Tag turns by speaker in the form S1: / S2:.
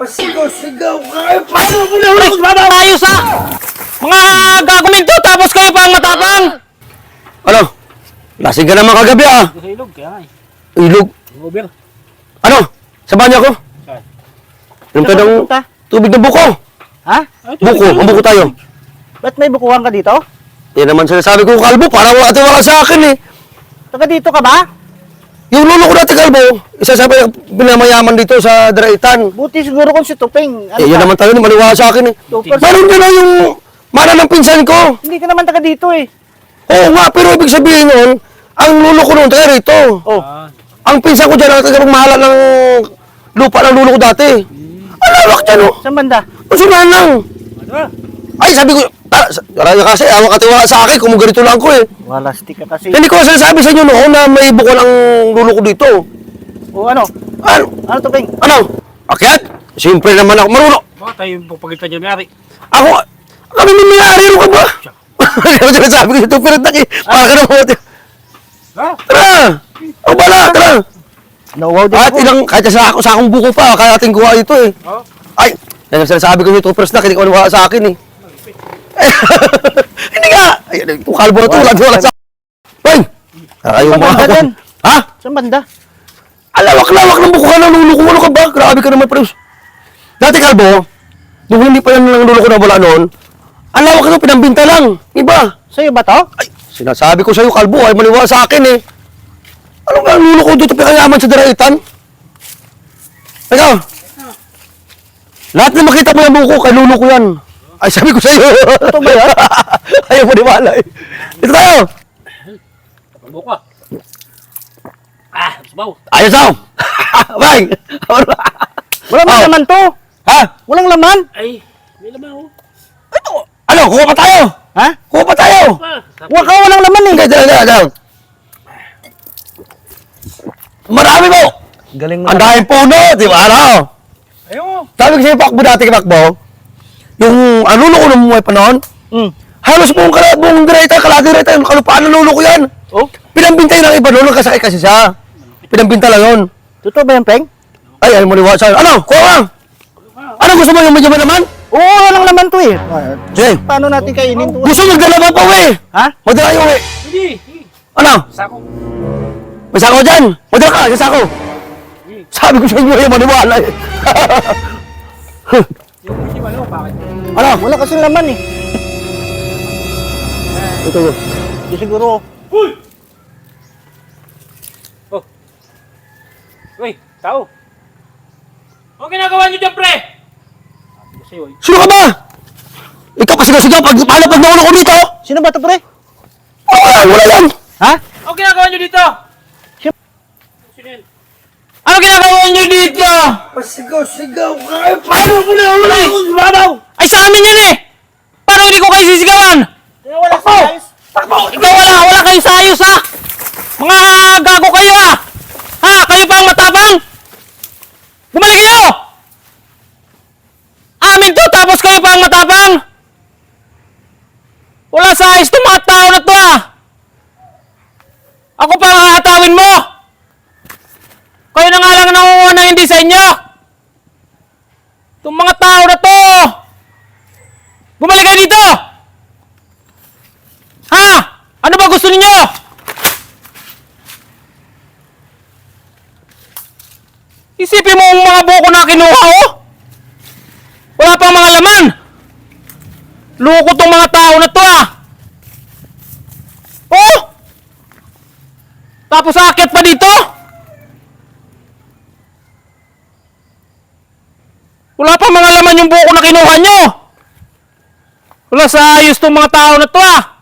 S1: Pasigaw-sigaw ka. Paano mo na ulit?
S2: Ayos ha! Mga gaguminto tapos kayo pa ang matapang!
S1: Ano? Lasing ka naman kagabi ah.
S2: Sa ilog, kaya nga
S1: Ilog.
S2: Over.
S1: Ano? Sa banyo ko?
S2: Saan?
S1: Yung tanong tubig ng buko.
S3: Ha?
S1: Buko. Ang buko tayo.
S3: Ba't may bukuhan ka dito?
S1: Yan naman sinasabi ko kalbo. Parang wala sa akin eh.
S3: Taga dito ka ba?
S1: Yung lolo ko dati kalbo. Isa sa pinamayaman dito sa Draitan.
S3: Buti siguro kung si Tupeng. Ano
S1: Yan
S3: ka?
S1: naman tayo. Maniwala sa akin eh.
S3: Super.
S1: Meron din na yung mana ng pinsan ko.
S3: Hindi ka naman taga dito eh.
S1: Oo nga. Pero ibig sabihin nun, ang lolo ko noon tayo rito.
S3: Oh.
S1: Ang pinsan ko dyan, nagkakamahala ng lupa ng lolo ko dati. Ang lawak dyan, oh.
S3: Saan banda?
S1: Masunan lang. Ay, sabi ko, karaya kasi, awak katiwala sa akin, kung ganito lang ko eh.
S3: Wala stick ka kasi.
S1: Hindi ko sinasabi sa inyo noon na may bukol ang lolo ko dito.
S3: O ano?
S1: Ano?
S3: Ano Tupeng?
S1: Ano? Akyat? Siyempre naman ako, marunong.
S2: Baka tayo yung pagpagitan niya may-ari.
S1: Ako, kami may-ari, ano ka ba? Ano sinasabi ko ito, pero taki, para ka na mo.
S2: Ha?
S1: Tara! O bala, tara!
S3: Nauwaw din
S1: At
S3: ako.
S1: ilang, kahit sa akong buko pa, kaya ating kuha ito eh.
S2: Oh?
S1: Ay, yan ang sinasabi ko ito, first na, hindi ko maniwala sa akin eh. Hindi nga! Ay, ito kalbo na ito, wala sa akin. Ay! Ayaw
S3: Saan
S1: mo
S3: banda
S1: ako.
S3: din?
S1: Ha?
S3: Saan banda?
S1: Alawak-lawak ng buko ka ng lulo ko, ano ka ba? Grabe ka naman, Pres. Dati kalbo, nung hindi pa yan ng lulo ko na wala noon, ang lawak ito, pinambinta lang. Iba.
S3: Sa'yo ba to?
S1: Ay, sinasabi ko sa'yo, kalbo, ay maniwala sa akin eh. Ano ba ang lulo ko dito pinayaman sa Daraitan? Ikaw? Lahat na makita mo yung buko, kay lulo ko yan. Ay, sabi ko sa'yo.
S3: Ito ba yan?
S1: Ayaw mo niwala eh. Dito tayo.
S2: Pagbo ka. Ah, sabaw.
S1: Ayos ako. Bang!
S3: Wala
S1: Oh.
S3: naman to.
S1: Ha?
S3: Walang laman.
S2: Ay, may laman ako.
S1: Ito. Ano, kuha pa tayo.
S3: Ha?
S1: Kuha pa tayo.
S3: Walang laman eh.
S1: Hindi, dala. Marami mo.
S3: Galing mo.
S1: Ang daming puno, di ba? Ano?
S2: Ayun.
S1: Sabi ko sa'yo, Pakbo dati kay Pakbo, yung lulo ko nung buhay pa noon, halos buong Draitan, kalahati Draitan, kalupaan ng lulo ko yan.
S3: Oh?
S1: Pinambintay ng iba noon, nagkasakit kasi siya. Pinambinta lang yun.
S3: Totoo ba yan, Peng?
S1: Ay, ayaw mo niwala sa'yo. Ano? Kuha ka! Ano gusto mo yung medyo may naman?
S3: Oo, walang laman to eh.
S1: Sige.
S3: Paano natin kainin to?
S1: Gusto magdala ba pa uwi?
S3: Ha?
S1: Magdala yung uwi.
S2: Hindi.
S1: Ano?
S2: Sako.
S1: May sako dyan. Magdala ka, yung sako. Sabi ko sa inyo, ayaw maniwala eh.
S2: Yung hindi ba bakit?
S1: Ano?
S3: Wala kasing laman eh.
S1: Ito yun.
S3: Di siguro.
S2: Uy! Oh. Uy, tao. Ano ginagawa niyo dyan, pre? Kasi, uy.
S1: Sino ka ba? Ikaw pa sigaw-sigaw, paano pag nauna ko dito?
S3: Sino ba to, pre?
S1: Wala yan.
S3: Ha?
S2: Ano ginagawa niyo dito?
S3: Siya-
S2: Sino yan?
S1: Ano ginagawa niyo dito?
S4: Pasigaw-sigaw ka. Paano mo na ulit?
S1: Babaw! Ay sa amin yan eh! Paano hindi ko kayo sisigawan?
S3: Wala sa ayos.
S1: Ikaw wala kayo sa ayos ha! Mga gago kayo ha! Ha? Kayo pa ang matapang? Bumalik kayo! Amin to tapos kayo pa ang matapang? Wala sa ayos itong mga tao na to ha! Ako pa ang hahatawin mo! Kayo na nga lang nangunguha ng hindi sa inyo! Itong mga tao na to! Bumalik kayo dito! Ha? Ano ba gusto ninyo? Isipin mo ang mga buko na kinuha, oh! Wala pang mga laman! Loko tong mga tao na to, ah! Oh! Tapos aakyat pa dito? Wala pa mga laman yung buko na kinuha nyo! Wala sa ayos tong mga tao na to, ah!